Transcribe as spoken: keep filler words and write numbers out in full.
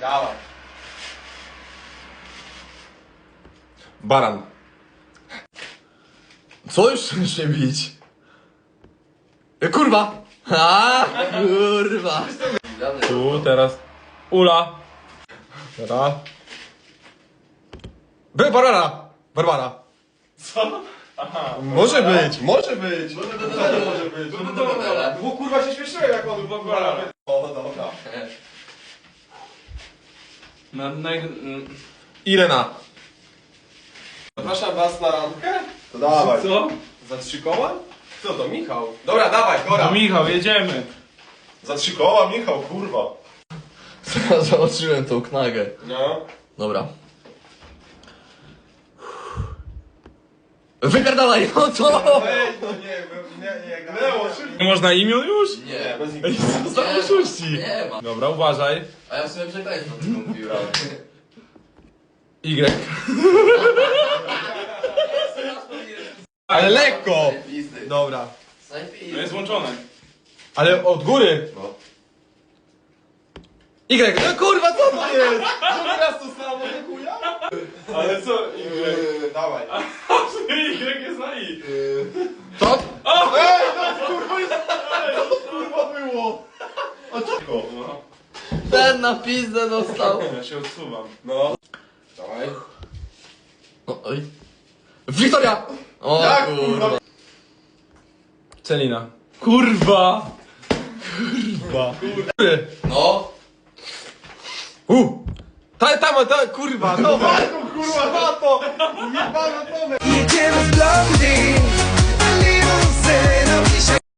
Dawaj. Baran. Co już się bić? E, kurwa! A, kurwa! Tu, teraz. Ula. Dobra. By, Barbara! Barbara! Co? Aha. Może być, może być! No to może być. No to dobra. Bo kurwa się śmieszyłem jak on Barbara. O, dobra. Na, na, Irena. Zapraszam was na randkę? To dawaj. co? Za trzy koła? Co to, Michał? Dobra, dawaj, Gora. No Michał, jedziemy. Za trzy koła, Michał, kurwa. Zobaczyłem tą knagę. No. Dobra. Wypierdalaj, no to! Ej, no nie, nie, nie, nie. Leo, szybko. Nie można imion już? Nie, bez Ej, nikogo. co za oszuści? Nie ma. Dobra, uważaj. A ja w sumie przekleństwo tylko mówiłem. Y. Ale lekko. Dobra. No jest włączone. Ale od góry. No. Y, no kurwa, co to jest? Drugi raz to samo, nie chuja? Ale co? Yy, dawaj. Y jest na I. To? Ej, no kurwa, jest... Co to kurwa było? A czego? No. Ten na pizdę dostał. Ja się odsuwam. No. Dawaj. No, oj. Wiktoria! O Jak, kurwa. kurwa? Celina. Kurwa! Kurwa. No. U! Ta, tam, ta, kurwa, no. Marko, kurwa, na to! Jebana to! Jedziemy z Blondie, a little say